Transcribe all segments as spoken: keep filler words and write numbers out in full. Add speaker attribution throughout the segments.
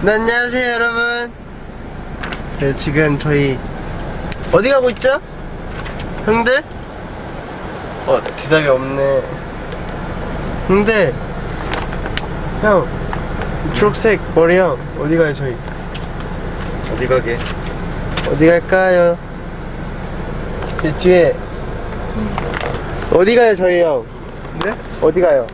Speaker 1: 네, 안녕하세요 여러분. 네, 지금 저희 어디 가고 있죠? 형들? 어, 대답이 없네. 형들, 형 초록색 머리 형 어디 가요 저희?
Speaker 2: 어디 가게?
Speaker 1: 어디 갈까요? 이 뒤에 어디 가요 저희 형?
Speaker 2: 네?
Speaker 1: 어디 가요?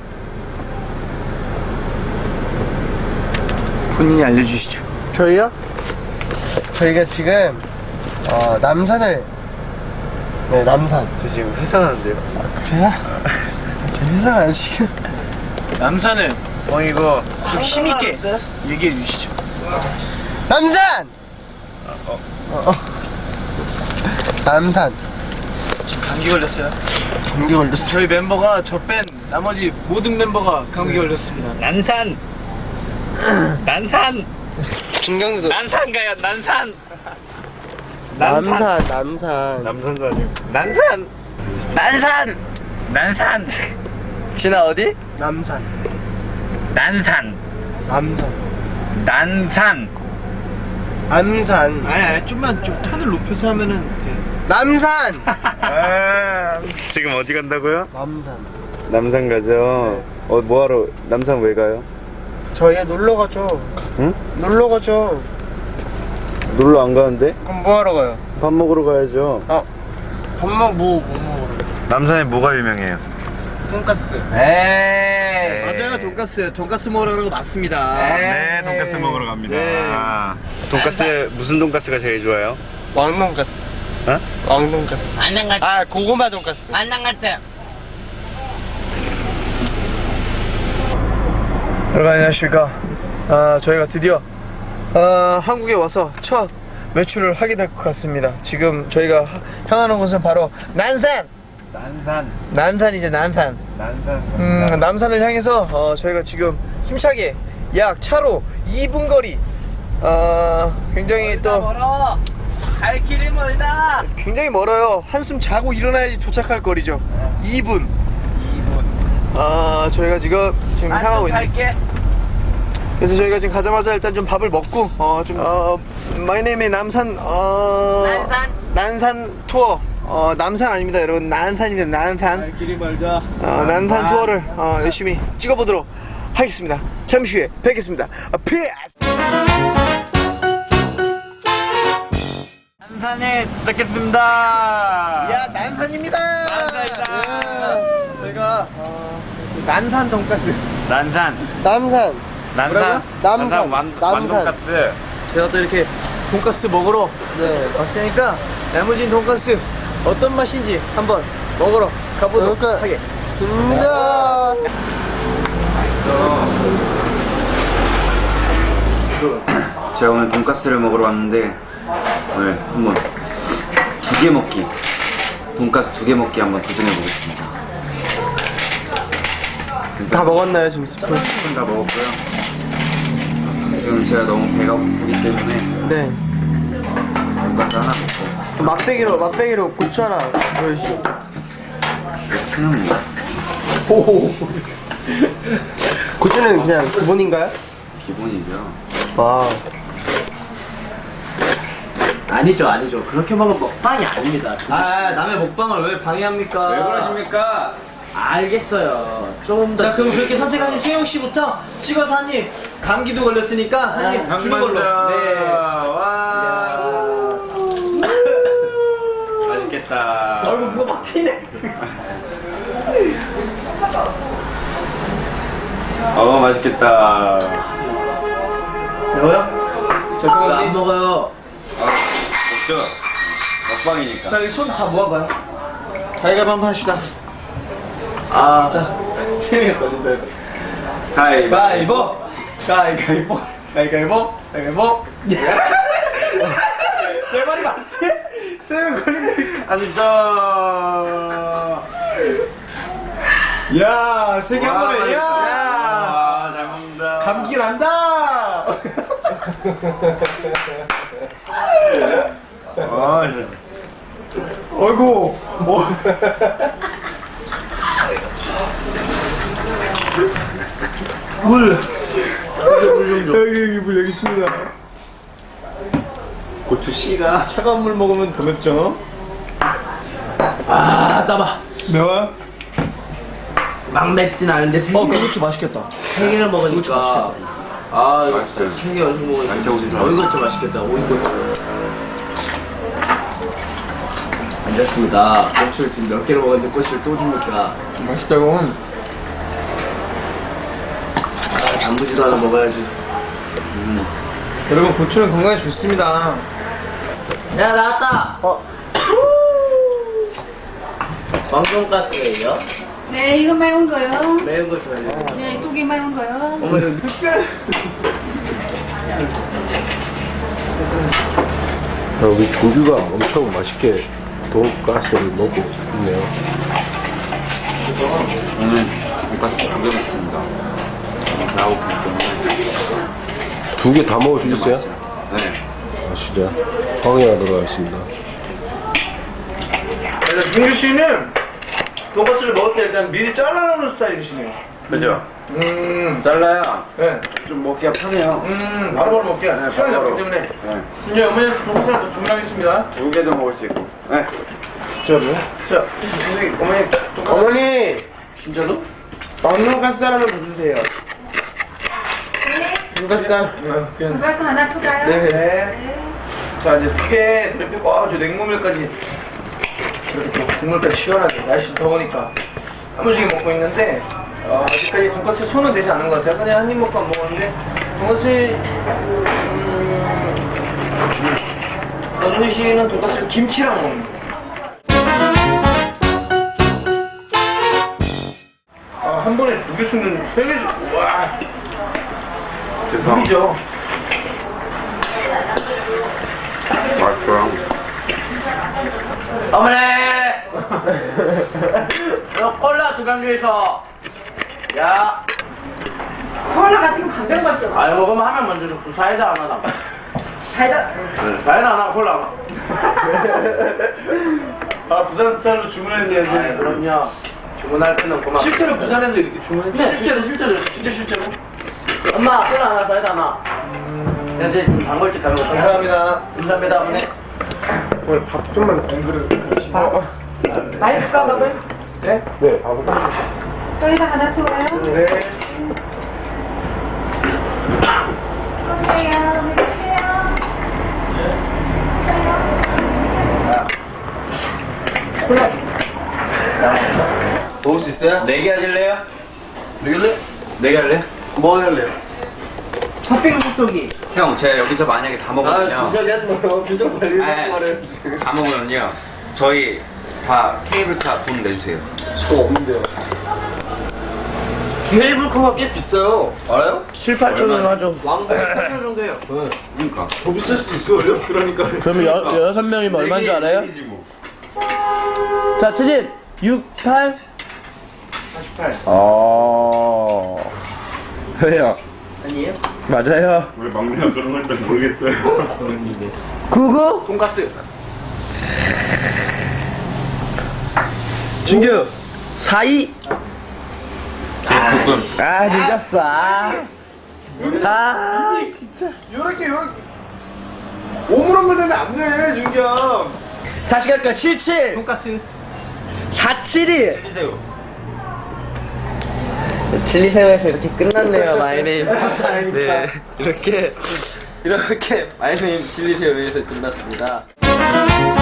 Speaker 2: 본인이 알려주시죠.
Speaker 1: 저희요? 저희가 지금 어, 남산을 네 남산.
Speaker 2: 저 지금 회사하는데요.
Speaker 1: 아 그래요? 저 회사가 안 지금
Speaker 2: 남산을 어 이거 좀 힘있게 얘기해 주시죠.
Speaker 1: 남산!
Speaker 2: 아, 어.
Speaker 1: 어, 어. 남산.
Speaker 2: 지금 감기 걸렸어요.
Speaker 1: 감기 걸렸어.
Speaker 2: 저희 멤버가 저 뺀 나머지 모든 멤버가 감기 걸렸습니다.
Speaker 3: 난산 난산
Speaker 1: 중경도
Speaker 3: 난산 가요 난산
Speaker 1: 남산 남산
Speaker 2: 남산도 아니고.
Speaker 3: 난산 난산 난산 진아 어디?
Speaker 1: 남산
Speaker 3: 난산
Speaker 1: 남산
Speaker 3: 난산
Speaker 1: 남산
Speaker 2: 아니 아니 좀만 좀 톤을 높여서 하면은 돼.
Speaker 1: 남산
Speaker 2: 아, 지금 어디 간다고요?
Speaker 1: 남산.
Speaker 2: 남산 가죠. 어 뭐하러? 남산 왜 가요?
Speaker 1: 저희가 놀러 가죠.
Speaker 2: 응?
Speaker 1: 놀러 가죠.
Speaker 2: 놀러 안 가는데?
Speaker 1: 그럼 뭐 하러 가요?
Speaker 2: 밥 먹으러 가야죠.
Speaker 1: 아, 밥 먹, 뭐, 뭐 먹으러?
Speaker 2: 남산에 뭐가 유명해요?
Speaker 1: 돈까스.
Speaker 3: 에이
Speaker 2: 맞아요, 돈까스. 돈까스 먹으러 맞습니다.
Speaker 3: 네,
Speaker 2: 돈까스 먹으러 갑니다.
Speaker 1: 네.
Speaker 2: 아, 돈까스 무슨 돈까스가 제일 좋아요?
Speaker 1: 왕돈까스.
Speaker 2: 어?
Speaker 1: 왕돈까스.
Speaker 4: 안녕 같아.
Speaker 1: 아, 고구마 돈까스.
Speaker 4: 안녕 같아.
Speaker 1: 여러분 안녕하십니까. 아, 저희가 드디어 아, 한국에 와서 첫 외출을 하게 될 것 같습니다. 지금 저희가 하- 향하는 곳은 바로 난산.
Speaker 2: 난산.
Speaker 1: 난산이죠, 난산.
Speaker 2: 난산.
Speaker 1: 음, 남산을 향해서 어, 저희가 지금 힘차게 약 차로 이 분 거리. 어, 굉장히 또
Speaker 3: 멀어 갈 길이 멀다
Speaker 1: 굉장히 멀어요. 한숨 자고 일어나야지 도착할 거리죠. 이 분.
Speaker 2: 이 분.
Speaker 1: 아, 저희가 지금 지금 향하고 있는.
Speaker 3: 갈게
Speaker 1: 그래서 저희가 지금 가자마자 일단 좀 밥을 먹고 어좀 어, 마이네임의 남산 어
Speaker 4: 난산.
Speaker 1: 난산 투어 어 남산 아닙니다 여러분, 난산입니다. 난산.
Speaker 3: 갈 길이 멀다
Speaker 1: 어, 난산 투어를 어, 열심히 찍어보도록 하겠습니다. 잠시 후에 뵙겠습니다. 아, 피스.
Speaker 3: 난산에 도착했습니다.
Speaker 1: 야, 난산입니다.
Speaker 3: 난산이다.
Speaker 1: 예. 저희가 어, 난산 돈가스.
Speaker 3: 난산
Speaker 1: 남산.
Speaker 3: 난산
Speaker 1: 뭐라고요? 남산.
Speaker 3: 완,
Speaker 1: 남산.
Speaker 3: 완돈까스
Speaker 1: 제가 또 이렇게 돈가스 먹으러 네, 왔으니까 야무진 돈가스 어떤 맛인지 한번 먹으러 가보도록 하겠습니다.
Speaker 5: 제가 오늘 돈가스를 먹으러 왔는데 오늘 한번 두 개 먹기 돈가스 두 개 먹기 한번 도전해 보겠습니다.
Speaker 1: 다 먹었나요 지금 스푼?
Speaker 5: 스푼 다 먹었고요. 지금 제가 너무 배가 고프기 때문에
Speaker 1: 네.
Speaker 5: 돈가스 하나 먹고
Speaker 1: 맛배기로 맛배기로 고추 하나 보여주시죠.
Speaker 5: 추는 뭐
Speaker 1: 오. 고추는 그냥 기본인가요?
Speaker 5: 기본이죠.
Speaker 1: 와.
Speaker 3: 아니죠 아니죠 그렇게 먹으면 먹방이 아닙니다.
Speaker 1: 아, 남의 먹방을 왜 방해합니까?
Speaker 3: 왜 그러십니까? 알겠어요. 좀 더.
Speaker 1: 자, 그럼 그렇게 선택하신 수영 씨부터 찍어서 한 입. 감기도 걸렸으니까 한 입 주는 걸로. 네.
Speaker 3: 와. 맛있겠다.
Speaker 1: 얼굴 뭐가 막 튀네.
Speaker 2: 어, 맛있겠다.
Speaker 1: 매워요? 자, 그럼
Speaker 3: 안
Speaker 1: 우리
Speaker 3: 먹어요.
Speaker 2: 먹죠? 먹방이니까.
Speaker 1: 자, 여기 손 다 모아봐요. 가위바위보 한번 합시다. 아, 자, 세명이 걸린다. 이거. 가위바위보! 가위바위보! 가위바위보! 가위바위보! 내 말이 맞지? 세명 걸린다.
Speaker 2: 아니죠.
Speaker 1: 야, 세 개 한 번에, 야!
Speaker 2: 아, 잘 먹는다.
Speaker 1: 감기 난다!
Speaker 2: 아, 진짜.
Speaker 1: 어이구, 뭐. 물. 여기 여기 물 여기 있습니다. 고추 씨가 차가운 물 먹으면 더 맵죠?
Speaker 3: 아 따봐.
Speaker 1: 매워?
Speaker 3: 막 맵진 않은데 세
Speaker 1: 어, 그
Speaker 3: 개,
Speaker 1: 고추 맛있겠다.
Speaker 3: 세 개를 먹으니까. 아 이거
Speaker 5: 맛있어요.
Speaker 3: 세개 연속 먹으니까
Speaker 5: 양쪽
Speaker 3: 진짜
Speaker 5: 오신다.
Speaker 3: 오이고추 맛있겠다. 오이고추. 앉았습니다. 고추를 지금 몇 개를 먹었는데 고추를 또 줍니까?
Speaker 1: 맛있다고.
Speaker 3: 아, 단무지도 하나 먹어야지.
Speaker 1: 여러분 고추는 건강에 좋습니다.
Speaker 3: 야 나왔다.
Speaker 1: 어.
Speaker 3: 왕돈가스예요.
Speaker 4: 네, 이거 매운 거요.
Speaker 3: 매운 거 좋아해요.
Speaker 4: 네, 두 개 매운 거요.
Speaker 3: 어머니
Speaker 6: 우리 준규가 엄청 맛있게 돈가스를 먹고 있네요.
Speaker 5: 오늘 돈가스 두개 먹습니다. 나오기 때문에
Speaker 6: 두 개 다 먹을 수 있어요?
Speaker 5: 맛있어요. 네.
Speaker 6: 아, 진짜? 황해가 들어가겠습니다.
Speaker 1: 그래서 준규 씨는 돈가스를 먹을 때 일단 미리 잘라놓는 스타일이시네요.
Speaker 5: 그죠?
Speaker 1: 음,
Speaker 5: 잘라야
Speaker 1: 네.
Speaker 5: 좀 먹기가 편해요.
Speaker 1: 음, 바로바로 먹게.
Speaker 5: 네,
Speaker 1: 시간이
Speaker 5: 바로바로.
Speaker 1: 없기 때문에.
Speaker 5: 네.
Speaker 1: 이제 어머니 돈가스를 더 주문하겠습니다.
Speaker 5: 두 개도 먹을 수 있고. 네.
Speaker 1: 진짜로요? 자, 선생님, 어머니 돈가스.
Speaker 3: 어머니
Speaker 1: 진짜로?
Speaker 3: 왕돈가스 하나만 더 주세요. 돈가스 한.
Speaker 1: 네, 그냥.
Speaker 4: 돈가스 하나 추가요.
Speaker 1: 네. 자, 이제 두개 드리고, 아, 저 냉모밀까지. 이렇게 또 국물까지 시원하게. 날씨 더우니까. 한번씩 먹고 있는데, 어, 아직까지 돈가스에 손은 되지 않은 것 같아요. 그냥 한 입 먹고 안 먹었는데, 돈가스, 음, 어준이 씨는 돈가스를 김치랑 먹는 거. 아, 한 번에 두 개 쓰면 세 개, 주- 와,
Speaker 5: 그래서
Speaker 1: 무리죠.
Speaker 5: 맛있어요.
Speaker 3: 어머니! 너 콜라 두 병 주이소. 야.
Speaker 4: 콜라가 지금 한 병 밖에 없어.
Speaker 3: 아이 먹으면 하면 먼저 줘. 사이다 하나 나.
Speaker 4: 달다.
Speaker 3: 응, 사이다 하나 콜라 하나.
Speaker 1: 아, 부산 스타일로 주문했네요,
Speaker 3: 아이
Speaker 1: 지금.
Speaker 3: 그럼요. 주문할 때는 고맙.
Speaker 1: 실제로 부산에서 이렇게 주문했네?
Speaker 3: 실제로 실제로
Speaker 1: 진짜 실제로?
Speaker 3: 엄마 콜라 하나 사이다 하나. 현재 지금 단골집 가면
Speaker 1: 감사합니다.
Speaker 3: 감사합니다 어머니.
Speaker 6: 오늘 밥 좀만 앵그를 그러시고.
Speaker 4: 맛있을까, 밥은?
Speaker 1: 네?
Speaker 6: 네, 밥을 딱.
Speaker 4: 쌀다 하나 추가요.
Speaker 1: 네.
Speaker 4: 쏘세요. 드세요.
Speaker 1: 먹을 수 있어요?
Speaker 5: 네 개 하실래요?
Speaker 1: 되길래?
Speaker 5: 네 개 할래?
Speaker 1: 뭐 할래요? 팥빙수 쏘기.
Speaker 5: 형, 제가 여기서 만약에 다
Speaker 1: 아,
Speaker 5: 먹으면요.
Speaker 1: 진작에 하지 마요. 표정 관리
Speaker 5: 아,
Speaker 1: 하지 말아요.
Speaker 5: 다 먹으면요. 저희 다 케이블카 돈 내주세요.
Speaker 1: 저 없는데요. 케이블카가 꽤 비싸요. 알아요?
Speaker 3: 칠, 팔천 원 하죠.
Speaker 1: 왕복 팔천 원 정도 해요.
Speaker 5: 그러니까.
Speaker 1: 더 비쌀 수도 있어요. 그러니까.
Speaker 3: 그러면 여, 여섯 명이면 얼마인 줄 알아요?
Speaker 5: 얘기지 뭐.
Speaker 3: 자 추진 육, 팔.
Speaker 1: 사십팔.
Speaker 3: 어. 왜요?
Speaker 1: 아니에요?
Speaker 3: 맞아요.
Speaker 7: 왜 막내가 그런 걸 잘 모르겠어요.
Speaker 3: 구구.
Speaker 1: 돈가스.
Speaker 3: 준규. 사이.
Speaker 5: 볶음.
Speaker 3: 아 늦었어. 아. 아 진짜.
Speaker 1: 요렇게, 요렇게. 오물오물 되면 안 돼, 준경.
Speaker 3: 다시 갈까? 칠, 칠.
Speaker 1: 돈가스.
Speaker 3: 사, 칠이.
Speaker 5: 해주세요.
Speaker 3: 칠리새우에서 이렇게 끝났네요, 마이네임.
Speaker 1: 다행이다.
Speaker 3: 네, 이렇게, 이렇게 마이네임 칠리새우에서 끝났습니다.